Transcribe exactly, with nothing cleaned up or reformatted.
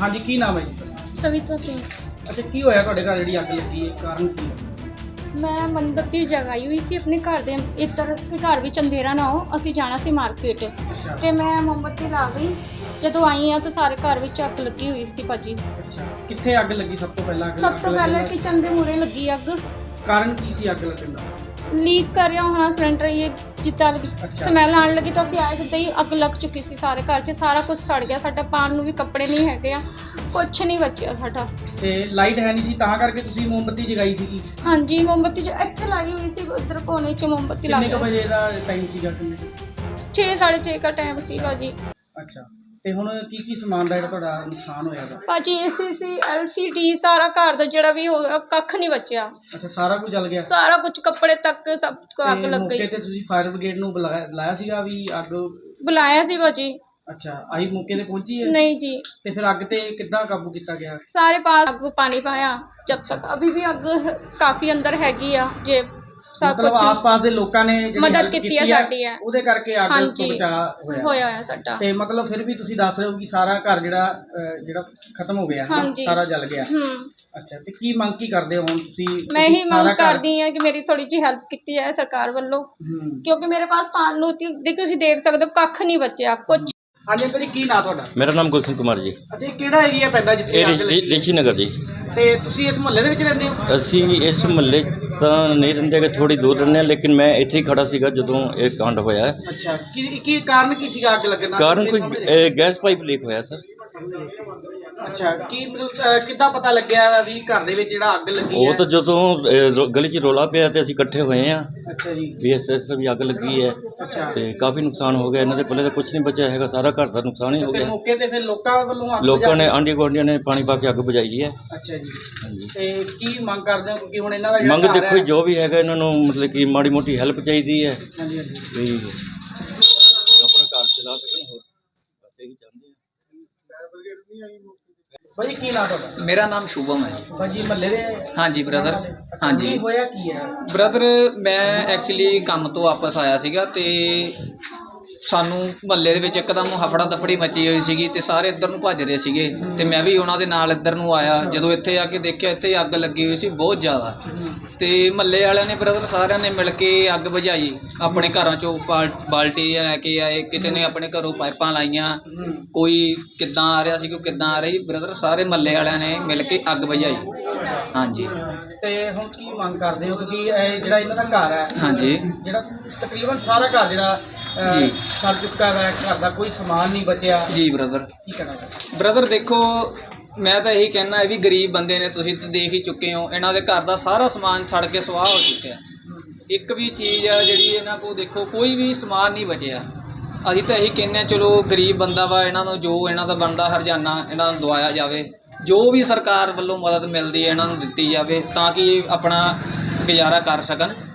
हाँ जी, की नाम है जी? सविता सिंह। अच्छा, की होया तुहाडे घर जिहड़ी अग लगी है, कारण की है? मैं मोमबत्ती जगाई हुई सी अपने घर दे इधर के घर विच अंधेरा ना हो, असीं जाना सी मार्केट अच्छा ते मैं मोमबत्ती ला गई। जदों आई हाँ तो सारे घर विच अग लगी हुई सी भाजी। अच्छा, कित्थे अग लगी सब तो पहला? सब तो पहले किचन दे मूहरे लगी अग। कारण की सी अग लगन दा? लीक कर रहा होना सिलेंडर, ये जिद्दां अच्छा। स्मैल आने लगी तो असीं आए जिद्दां ही अग लग चुकी सी सारे घर 'च, सारा कुछ सड़ गया। साडा पान नूं भी कपड़े नहीं हैगे आ, कुछ नहीं बचिया साडा। ते लाइट है नहीं सी तां करके तुसीं मोमबत्ती जगाई सीगी? हाँ जी, मोमबत्ती जो इत्थे लाई हुई सी, उधर कोने 'ਚ मोमबत्ती ला किन्ने क के बजे दा टाइम सीगा किन्ने? छे साढ़े छे का टाइम सी भाजी। अच्छा, ਤੇ ਹੁਣ ਕੀ ਕੀ ਸਮਾਨ ਦਾ ਜਿਹੜਾ ਤੁਹਾਡਾ ਨੁਕਸਾਨ ਹੋਇਆ ਦਾ? ਭਾਜੀ ਏਸੀ ਸੀ, ਐਲ ਸੀ ਡੀ, ਸਾਰਾ ਘਰ ਦਾ ਜਿਹੜਾ ਵੀ ਹੋਇਆ ਕੱਖ ਨਹੀਂ ਬਚਿਆ। ਅੱਛਾ, ਸਾਰਾ ਕੁਝ ਜਲ ਗਿਆ? ਸਾਰਾ ਕੁਝ ਕੱਪੜੇ ਤੱਕ ਸਭ ਕੋ ਅੱਗ ਤੇ ਲੱਗ ਮੌਕੇ ਗਈ। ਤੇ ਤੁਸੀਂ ਫਾਇਰ ਬ੍ਰਿਗੇਡ ਨੂੰ ਬੁਲਾਇਆ ਬੁਲਾਇਆ ਸੀਗਾ ਵੀ ਅੱਗ? ਬੁਲਾਇਆ ਸੀ ਭਾਜੀ। ਅੱਛਾ, ਆਈ ਮੌਕੇ ਤੇ ਪਹੁੰਚੀ ਹੈ? नहीं जी, ਤੇ ਫਿਰ ਅੱਗ ਤੇ ਕਿੱਦਾਂ ਕਾਬੂ ਕੀਤਾ ਗਿਆ? सारे पास अग पानी पाया जब तक, अभी भी अग काफ़ी अंदर हैगी आ जे सब ਮਤਲਬ कुछ ਆਸ-ਪਾਸ ਦੇ ਲੋਕਾਂ ਨੇ ਜਿਹੜੀ ਮਦਦ help ਕੀਤੀ ਹੈ ਹੈ, ਸਾਡੀ ਹੈ। ਉਹਦੇ ਕਰਕੇ ਅੱਗ ਤੋਂ ਹਾਂਜੀ ਬਚਾਅ ਹੋਇਆ। ਹੋਇਆ ਹੋਇਆ ਸਾਡਾ। ਤੇ ਮਤਲਬ ਫਿਰ ਵੀ ਤੁਸੀਂ ਦੱਸ ਰਹੇ ਹੋ ਕਿ ਸਾਰਾ ਘਰ ਜਿਹੜਾ ਅਹ, ਜਿਹੜਾ ਖਤਮ ਹੋ ਗਿਆ, ਹਾਂਜੀ। ਸਾਰਾ ਜਲ ਗਿਆ। ਹੂੰ, ਅੱਛਾ, ਤੇ ਕੀ ਮੰਗ ਕੀ ਕਰਦੇ ਹੋ ਹੁਣ ਤੁਸੀਂ? ਮੈਂ ਹੀ ਸਾਰਾ ਮੰਗ ਘਰ- ਕਰਦੀ ਹਾਂ ਕਿ ਮੇਰੀ ਥੋੜੀ ਜਿਹੀ ਹੈਲਪ ਕੀਤੀ ਜਾਏ ਸਰਕਾਰ ਵੱਲੋਂ, ਹੂੰ। ਕਿਉਂਕਿ ਮੇਰੇ ਪਾਸ ਪਾਣ ਨੂੰ ਤੀ- ਦੇਖੋ ਤੁਸੀਂ ਦੇਖ ਸਕਦੇ ਹੋ ਕੱਖ ਨਹੀਂ ਬਚਿਆ ਕੁਛ। ਹਾਂਜੀ ਅੰਕਲ ਜੀ, ਕੀ ਨਾਂ ਤੁਹਾਡਾ? ਮੇਰਾ ਨਾਮ ਗੁਲਸ਼ਨ ਕੁਮਾਰ ਜੀ। ਅੱਛਾ, ਇਹ ਕਿਹੜਾ ਏਰੀਆ ਪੈਂਦਾ ਜਿੱਥੇ ਇਹ ਅੱਗ ਲੱਗੀ? ਰਿਸ਼ੀ ਨਗਰ ਜੀ। ਤੇ ਤੁਸੀਂ ਇਸ ਮੁਹੱਲੇ ਦੇ ਵਿੱਚ ਰਹਿੰਦੇ ਹੋ? ਅਸੀਂ ਇਸ ਮੁਹੱਲੇ ਤਾਂ ਨਹੀਂ ਰਹਿੰਦੇ ਕਿ ਥੋੜੀ ਦੂਰ ਰਹਿੰਦੇ ਹਾਂ, ਲੇਕਿਨ ਮੈਂ ਇੱਥੇ ਹੀ ਖੜਾ ਸੀਗਾ ਜਦੋਂ ਇਹ ਕਾਂਡ ਹੋਇਆ। ਅੱਛਾ, ਕੀ ਕੀ ਕਾਰਨ ਕੀ ਸੀਗਾ ਅੱਗ ਲੱਗਣ ਦਾ? ਕਾਰਨ ਕੋਈ ਇਹ ਗੈਸ ਪਾਈਪ ਲੀਕ ਹੋਇਆ ਸਰ। ਅੱਛਾ, ਕੀ ਮਤਲਬ ਅਹ, ਕਿੱਦਾਂ ਪਤਾ ਲੱਗਿਆ ਵੀ ਘਰ ਦੇ ਵਿੱਚ ਜਿਹੜਾ ਅੱਗ ਲੱਗੀ ਉਹ ਹੈ? ਤਾਂ ਜਦੋਂ ਇਹ ਰੋ- ਗਲੀ 'ਚ ਰੋਲਾ ਪਿਆ ਤੇ ਅਸੀਂ ਇਕੱਠੇ ਹੋਏ ਆ ਅੱਛਾ ਜੀ। ਵੀ ਇਸ ਇਸ ਤਰ੍ਹਾਂ ਵੀ ਅੱਗ ਲੱਗੀ ਹੈ ਅੱਛਾ, ਤੇ ਕਾਫੀ ਨੁਕਸਾਨ ਹੋ ਗਿਆ। ਇਹਨਾਂ ਦੇ ਪੱਲੇ ਤਾਂ ਕੁਝ ਨਹੀਂ ਬਚਿਆ ਹੈਗਾ, ਸਾਰਾ ਘਰ ਦਾ ਨੁਕਸਾਨ ਹੀ ਹੋ ਤੇ ਗਿਆ। ਮੌਕੇ ਤੇ ਫਿਰ ਲੋਕਾਂ ਵੱਲੋਂ ਅੱਗ ਲੋਕਾਂ ਨੇ ਬੁਝਾ- ਆਂਢੀ ਗੁਆਂਢੀਆਂ ਨੇ ਪਾਣੀ ਪਾ ਕੇ ਅੱਗ ਬੁਝਾਈ ਹੈ। ਅੱਛਾ ਜੀ। ਹਾਂਜੀ, ਤੇ ਕੀ ਮੰਗ ਕਰਦੇ ਹੋ ਕਿਉਂਕਿ ਹੁਣ ਇਹਨਾਂ ਦਾ ਜਿਹੜਾ ਮੰਗ ਘਰ ਦੇਖੋ ਹੈ- ਜੋ ਵੀ ਹੈਗਾ ਇਹਨਾਂ ਨੂੰ ਮਤਲਬ ਕਿ ਮਾੜੀ ਮੋਟੀ ਹੈਲਪ ਚਾਹੀਦੀ ਹੈ ਹਾਂਜੀ ਹਾਂਜੀ। ਵੀ ਆਪਣਾ ਘਰ ਚਲਾ ਸਕਣ। ਹੋਰ ਬਸ ਇਹੀ ਚਾਹੁੰਦੇ ਹਾਂ। ਭਾਜੀ ਕੀ ਨਾਂ ਤੁਹਾਡਾ? मेरा नाम शुभम है जी। ਭਾਜੀ ਮਹੱਲੇ ਦੇ? हाँ जी ब्रदर। हाँ जी ਕੀ ਹੋਇਆ ਕੀ ਹੈ? ਬ੍ਰਦਰ, ਮੈਂ ਐਕਚੁਅਲੀ ਕੰਮ ਤੋਂ ਵਾਪਸ ਆਇਆ ਸੀਗਾ ਤੇ ਸਾਨੂੰ ਮਹੱਲੇ ਦੇ ਵਿੱਚ ਇੱਕਦਮ ਹਫੜਾ ਦਫੜੀ ਮਚੀ ਹੋਈ ਸੀਗੀ ਤੇ ਸਾਰੇ ਇੱਧਰ ਨੂੰ ਭੱਜ ਰਹੇ ਸੀਗੇ ਤੇ ਮੈਂ ਵੀ ਉਹਨਾਂ ਦੇ ਨਾਲ ਇੱਧਰ ਨੂੰ ਆਇਆ। ਜਦੋਂ ਇੱਥੇ ਆ ਕੇ ਦੇਖਿਆ ਇੱਥੇ ਅੱਗ ਲੱਗੀ ਹੋਈ ਸੀ ਬਹੁਤ ਜ਼ਿਆਦਾ, ਤੇ ਮਹੱਲੇ ਵਾਲਿਆਂ ਨੇ ਬ੍ਰਦਰ ਸਾਰਿਆਂ ਨੇ ਮਿਲ ਕੇ ਅੱਗ ਬੁਝਾਈ। ਆਪਣੇ ਘਰਾਂ 'ਚੋਂ ਬਾਲ ਬਾਲਟੀ ਲੈ ਕੇ ਆਏ, ਕਿਸੇ ਨੇ ਆਪਣੇ ਘਰੋਂ ਪਾਈਪਾਂ ਲਾਈਆਂ, ਕੋਈ ਕਿੱਦਾਂ ਆ ਰਿਹਾ ਸੀ, ਕੋਈ ਕਿੱਦਾਂ ਆ ਰਹੀ। ਬ੍ਰਦਰ ਸਾਰੇ ਮਹੱਲੇ ਵਾਲਿਆਂ ਨੇ ਮਿਲ ਕੇ ਅੱਗ ਬੁਝਾਈ। ਹਾਂਜੀ ਤੇ ਹੁਣ ਕੀ ਮੰਗ ਕਰਦੇ ਹੋ ਕਿਉਂਕਿ ਇਹ ਜਿਹੜਾ ਇਹਨਾਂ ਦਾ ਘਰ ਹੈ, ਹਾਂਜੀ ਜਿਹੜਾ ਤਕਰੀਬਨ ਸਾਰਾ ਘਰ ਜਿਹੜਾ ਅਹ, ਜੀ। ਸੜ ਚੁੱਕਾ ਹੈ, ਘਰ ਦਾ ਕੋਈ ਸਮਾਨ ਨਹੀਂ ਬਚਿਆ, ਜੀ ਬ੍ਰਦਰ। ਕੀ ਕਹਿਣਾ ਚਾਹੁੰਦੇ? ਬ੍ਰਦਰ ਦੇਖੋ, ਮੈਂ ਤਾਂ ਇਹੀ ਕਹਿਣਾ ਹੈ ਵੀ ਗਰੀਬ ਬੰਦੇ ਨੇ, ਤੁਸੀਂ ਤਾਂ ਦੇਖ ਹੀ ਚੁੱਕੇ ਹੋ ਇਹਨਾਂ ਦੇ ਘਰ ਦਾ ਸਾਰਾ ਸਮਾਨ ਸੜ ਕੇ ਸੁਆਹ ਹੋ ਚੁੱਕਿਆ। ਇੱਕ ਵੀ ਚੀਜ਼ ਆ ਜਿਹੜੀ ਇਹਨਾਂ ਕੋਲ ਦੇਖੋ ਕੋਈ ਵੀ ਸਮਾਨ ਨਹੀਂ ਬਚਿਆ। ਅਸੀਂ ਤਾਂ ਇਹੀ ਕਹਿੰਦੇ ਹਾਂ ਚਲੋ ਗਰੀਬ ਬੰਦਾ ਵਾ, ਇਹਨਾਂ ਨੂੰ ਜੋ ਇਹਨਾਂ ਦਾ ਬਣਦਾ ਹਰਜਾਨਾ ਇਹਨਾਂ ਨੂੰ ਦਵਾਇਆ ਜਾਵੇ, ਜੋ ਵੀ ਸਰਕਾਰ ਵੱਲੋਂ ਮਦਦ ਮਿਲਦੀ ਹੈ ਇਹਨਾਂ ਨੂੰ ਦਿੱਤੀ ਜਾਵੇ ਤਾਂ ਕਿ ਆਪਣਾ ਗੁਜ਼ਾਰਾ ਕਰ ਸਕਣ।